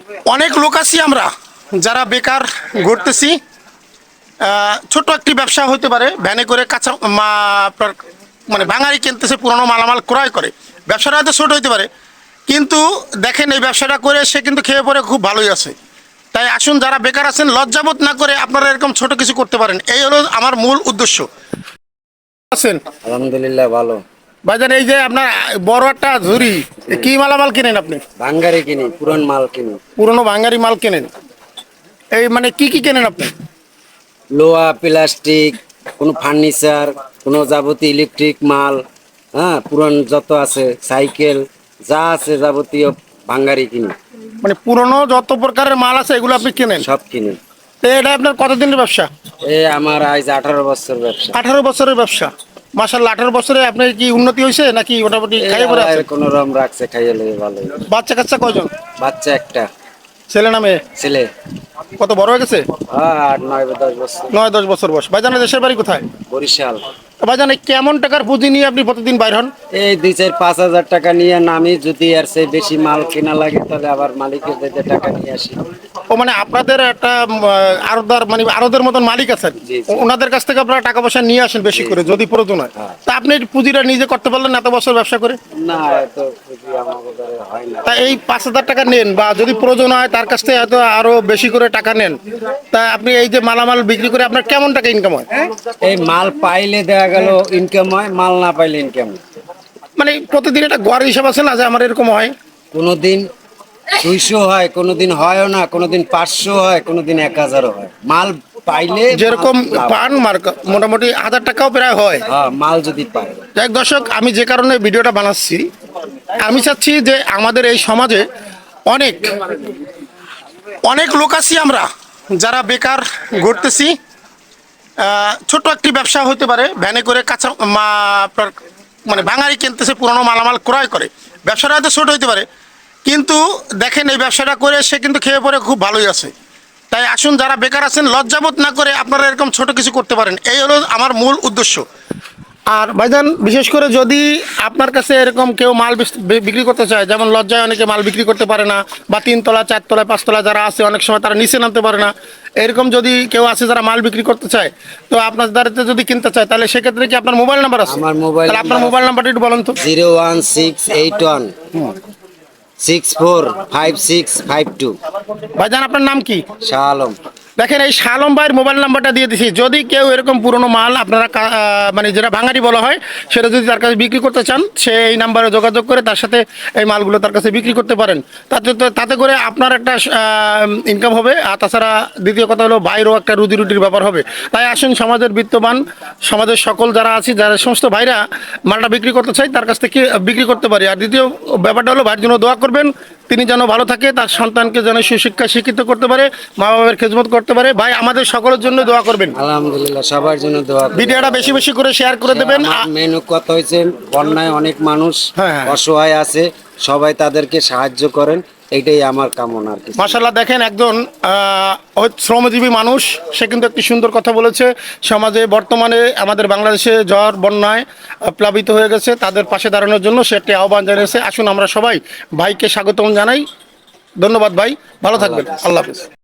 অনেক লোক আছি আমরা যারা বেকার ঘুরতেছি। ছোট একটি ব্যবসা হতে পারে, ভ্যানে করে কাঁচা আপনার মানে বাঙালি কিনতেছে, পুরনো মালামাল ক্রয় করে। ব্যবসাটা হয়তো ছোট হতে পারে, কিন্তু দেখেন এই ব্যবসাটা করে সে কিন্তু খেয়ে পরে খুব ভালোই আছে। তাই আসুন, যারা বেকার আছেন লজ্জাবোধ না করে আপনারা এরকম ছোট কিছু করতে পারেন, এই হলো আমার মূল উদ্দেশ্য। আছেন? আলহামদুলিল্লাহ ভালো। বাজার এই যে আপনার বড় একটা ঝুড়ি, কি মালামাল কিনেন আপনি? ভাঙ্গারি কিনি, পুরান মাল কিনি। পুরনো বাঙালি মাল কেনেন? এই মানে কি কি কেনেন আপনি? লোহা, প্লাস্টিক, কোনো ফার্নিচার, কোনো যাবতীয় ইলেকট্রিক মাল, হ্যাঁ, পুরান যত আছে, সাইকেল, যা আছে যাবতীয় ভাঙ্গারি কিনি। মানে পুরনো যত প্রকারের মাল আছে এগুলো আপনি কেনেন? সব কিনি। তো এটা আপনার কতদিনের ব্যবসা? আমার আজ 18 বছর ব্যবসা। 18 বছরের ব্যবসা। মাশাআল্লাহ, 18 বছরে আপনার কি উন্নতি হয়েছে নাকি মোটামুটি খাইয়ে পড়ে আছে? কোন রকম রাখছে, খাইয়ে লেগে ভালো। বাচ্চা কাচ্চা কয়জন? বাচ্চা একটা। ছেলে না মেয়ে? ছেলে। কত বড় হয়ে গেছে? 8, 9, 10 বছর। 9-10 বছর বয়স। ভাইজানের দেশের বাড়ি কোথায়? বরিশাল। ভাইজান এই কেমন টাকার পুঁজি নিয়ে আপনি প্রতিদিন বাইর হন? এই 2-4-5 হাজার টাকা নিয়ে নামি, যদি আর সে বেশি মাল কেনা লাগে তাহলে আবার মালিকের কাছে টাকা নিয়ে আসি। ও মানে আপনাদের একটা আড়তদার মানে আড়তের মতন মালিক আছেন, জি, জি। ওনাদের কাছ থেকে আপনারা টাকা পয়সা নিয়ে আসেন বেশি করে যদি প্রয়োজন হয়। হ্যাঁ। তা আপনি এই পুঁজিটা নিজে করতে পারলেন এত বছর ব্যবসা করে? না, এত পুঁজি আমার দ্বারা হয় না। তা এই 5,000 টাকা নেন বা যদি প্রয়োজন হয় তার কাছ থেকে হয়তো আরো বেশি করে টাকা নেন, তা আপনি এই যে মালামাল বিক্রি করে আপনার কেমন টাকা ইনকাম হয়? এই মাল পাইলে দেখা গেল ইনকাম হয়, মাল না পাইলে ইনকাম। মানে প্রতিদিন একটা গড় হিসাব আছে না যে আমার এরকম হয়? কোনোদিন 200 হয়, কোনোদিন হয়ও না, কোনোদিন 500 হয়, কোনোদিন 1000ও হয়। মাল পাইলে যেরকম লাভ। পান মার্ক মোটামুটি 1000 টাকাও প্রায় হয়। হ্যাঁ, মাল যদি পায়। যাই হোক দর্শক, আমি যে কারণে ভিডিওটা বানাচ্ছি, আমি চাচ্ছি যে আমাদের এই সমাজে অনেক অনেক লোক আছি আমরা যারা বেকার ঘুরতেছি। ছোট একটি ব্যবসা হতে পারে, ভ্যানে করে কাঁচা আপনার মানে বাঙালি কিনতেছে, পুরনো মালামাল ক্রয় করে। ব্যবসাটা হয়তো ছোট হতে পারে, কিন্তু দেখেন এই ব্যবসাটা করে সে কিন্তু খেয়ে পরে খুব ভালোই আছে। তাই আসুন, যারা বেকার আছেন লজ্জাবোধ না করে আপনারা এরকম ছোট কিছু করতে পারেন, এই হলো আমার মূল উদ্দেশ্য। আর ভাইজান, বিশেষ করে যদি আপনার কাছে এরকম কেউ মাল বিক্রি করতে চায়, যেমন লজ্জায় অনেকে মাল বিক্রি করতে পারে না, বা 3 তলা 4 তলা 5 তলা যারা আছে অনেক সময় তারা নিচে নামতে পারে না, এরকম যদি কেউ আছে যারা মাল বিক্রি করতে চায়, তো আপনার দ্বারাতে যদি কিনতে চায় তাহলে সেক্ষেত্রে কি আপনার মোবাইল নাম্বার আছে? আমার মোবাইল তাহলে আপনার মোবাইল নাম্বারটা একটু বলেন তো। 01681645652। ভাইজান, আপনার নাম কি? শাহ আলম। দেখেন, এই শালম ভাইয়ের মোবাইল নাম্বারটা দিয়ে দিছি। যদি কেউ এরকম পুরনো মাল আপনারা মানে যেটা ভাঙারি বলা হয় সেটা যদি তার কাছে বিক্রি করতে চান, সে এই নাম্বারে যোগাযোগ করে তার সাথে এই মালগুলো তার কাছে বিক্রি করতে পারেন। তাতে করে আপনার একটা ইনকাম হবে, আর তাছাড়া দ্বিতীয় কথা হলো বাইরেও একটা রুজির ব্যাপার হবে। তাই আসুন, সমাজের বিত্তবান, সমাজের সকল যারা আছে, যারা সমস্ত ভাইরা মালটা বিক্রি করতে চাই তার কাছ থেকে বিক্রি করতে পারি। আর দ্বিতীয় ব্যাপারটা হলো ভাইয়ের জন্য দোয়া করবেন, তিনি যেন ভালো থাকে, তার সন্তানকে যেন সুশিক্ষা শিক্ষিত করতে পারে, মা বাবার খেদমত করতে পারে। ভাই, আমাদের সকলের জন্য দোয়া করবেন। আলহামদুলিল্লাহ, সবার জন্য দোয়া করি। ভিডিওটা বেশি বেশি করে শেয়ার করে দেবেন। মেনু কথা হয়েছে, বন্যায় অনেক মানুষ হ্যাঁ। অসহায় আছে, সবাই তাদেরকে সাহায্য করেন, এটাই আমার কামনা আর কি। মাশাআল্লাহ, দেখেন একজন শ্রমজীবী মানুষ, সে কিন্তু একটি সুন্দর কথা বলেছে। সমাজে বর্তমানে আমাদের বাংলাদেশে ঝড় বন্যায় প্লাবিত হয়ে গেছে, তাদের পাশে দাঁড়ানোর জন্য সে একটি আহ্বান জানিয়েছে। আসুন আমরা সবাই ভাইকে স্বাগতম জানাই। ধন্যবাদ ভাই, ভালো থাকবেন। আল্লাহ হাফেজ।